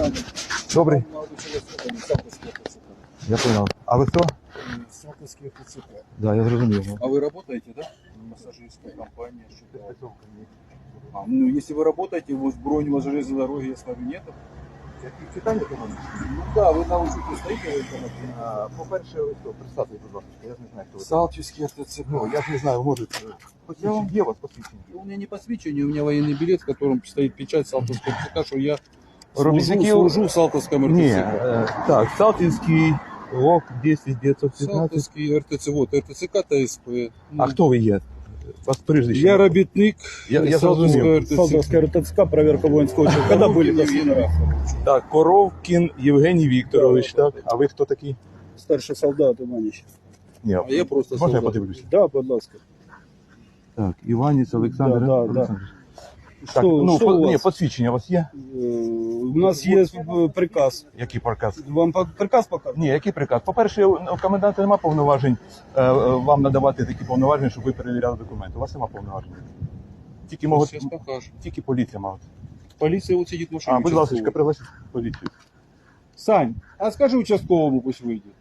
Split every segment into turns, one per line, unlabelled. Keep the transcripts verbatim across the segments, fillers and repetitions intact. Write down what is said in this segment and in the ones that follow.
Добрый. Я понял. А вы кто?
Салтовский ТЦК.
Да, я зрозумів.
А вы работаете, да? Массажистская компания. Что-то. А, ну, если вы работаете, у вас бронь, у вас железной дороги, я смотрю, нету?
Читання команди?
Ну да, вы на учете стоите в этом.
По-перше, ви хто? Представте, будь ласка, я ж не знаю, хто ви.
Салтовский ТЦК.
Ну, я ж не знаю, може, посвідчення. Є у вас посвідчення?
У меня не посвящение, у меня военный билет, в котором стоит печать Салтовского ТЦК, что я служу,
Робітники-
служу в Салтовском
Ні,
РТЦК.
е, так, Салтівський, ОК, десять дев'ятсот п'ятнадцять.
Салтовский РТЦ, вот, РТЦК ТСП.
А хто ви є? Вас прізвище?
Я робітник
Я- я
Салтовского
зрозумів.
РТЦК.
Салтовская РТЦК, проверка воинского учета. Когда были последний раз?
Так, Коровкін Євгеній Вікторович, так. А ви хто такий?
Старший солдат Иваныч.
Ні,
А я просто
можна я
солдат.
подивлюся?
Да, будь ласка.
Так, Іваніць Олександр
Да, да,
Олександрович. Так,
Что,
ну,
что
по-
у
ні,
вас?
посвідчення у вас є?
Э, У нас есть э, приказ.
Який приказ?
Вам по- приказ показывать?
Ні, який приказ? По-перше, у коменданта немає повноважень е, е, вам надавати такі повноваження, щоб ви перевіряли документи. У вас немає повноважень. Тільки, можуть,
Сейчас покажем.
тільки поліція має.
Полиция вот сидит в машине.
А, будь ласка,
участковый.
пригласіть поліцію.
Сань, а скажи участковому, пусть выйдет.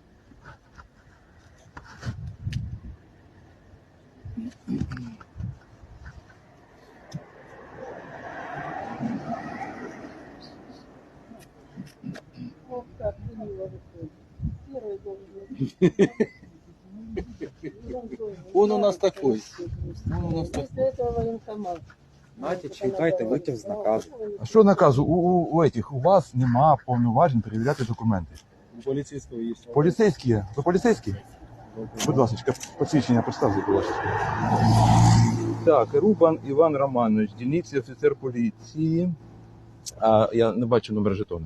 Вот так, мило выходит. Первый должен быть.
Он у нас такой. Он у нас
После этого военкомат.
Знаєте, чекайте витяг з наказу.
А що наказу? У, у, у, этих, у вас нема повноважень перевіряти документи.
У полицейского есть.
Поліцейські є? Ви поліцейські? Будь ласка, посвідчення представте, будь ласка. Так, Рубан Іван Романович, дільниці офіцер поліції. А, я не бачу номер жетона.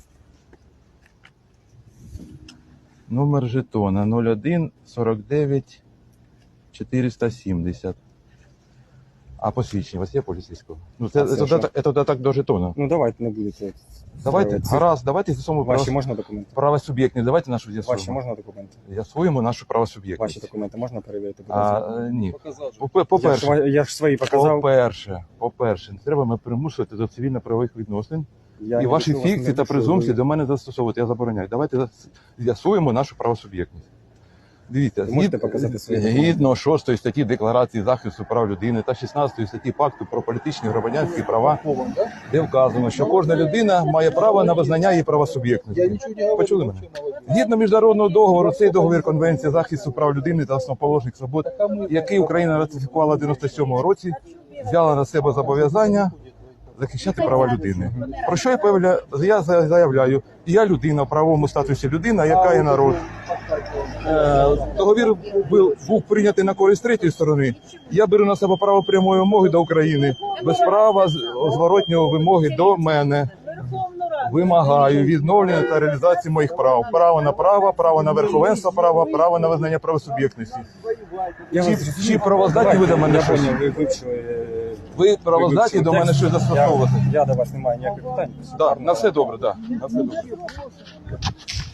Номер жетона нуль один сорок дев'ять чотириста сімдесят. А посвідчення у вас є поліцейського? Ну, це,
А це
це,
що?
це, це, це так до жетона.
Ну давайте не будете.
Давайте,
Це-
гаразд, давайте з'ясуємо
Ваші
право,
можна документи?
правосуб'єктність. Давайте нашу
Ваші
з'ясуємо.
можна документи?
З'ясуємо нашу правосуб'єктність.
Ваші документи можна перевірити? будь
А,
ласка?
е, ні.
Показал же.
По-
Я
По-перше,
ж, ва- я ж свої показав.
по-перше, по-перше, не треба мене примушувати до цивільно-правових відносин.
Я
І
не
ваші
прошу вас,
фікції
не
та
прошу,
презумпції
ви-
до мене застосовувати. Я забороняю. Давайте зас- з'ясуємо нашу правосуб'єктність. Дивіться,
Ви можете
згід-
показати свої документи?
згідно шостої статті Декларації захисту прав людини та шістнадцятої статті Пакту про політичні і громадянські права, де вказано, що кожна людина має право на визнання її
Я
правосуб'єктності.
ничего не говорю.
Почули мене?
вообще молодец.
Згідно міжнародного договору, цей договір Конвенції захисту прав людини та основоположних свобод, який Україна ратифікувала в дев'яносто сьомому році, взяла на себе зобов'язання захищати права людини. Про що я появля... я заявляю? Я людина в правовому статусі людина, яка є народ. Е, Договір був, був прийнятий на користь третьої сторони. Я беру на себе право прямої вимоги до України, без права з- зворотнього вимоги до мене. Вимагаю відновлення та реалізації моїх прав. Право на право, право на верховенство права, право на визнання правосуб'єктності.
Я
Чи-
вас зрозумів.
чи правоздатні
Давайте,
ви до мене
я
щось?
поняв, ви вивчили, е,
Ви правоздатні
ви
до мене
вивчили
щось
текст.
застосовувати?
Я, я до вас не маю ніяких питань.
Да, на все добре, так. Да, на все добре.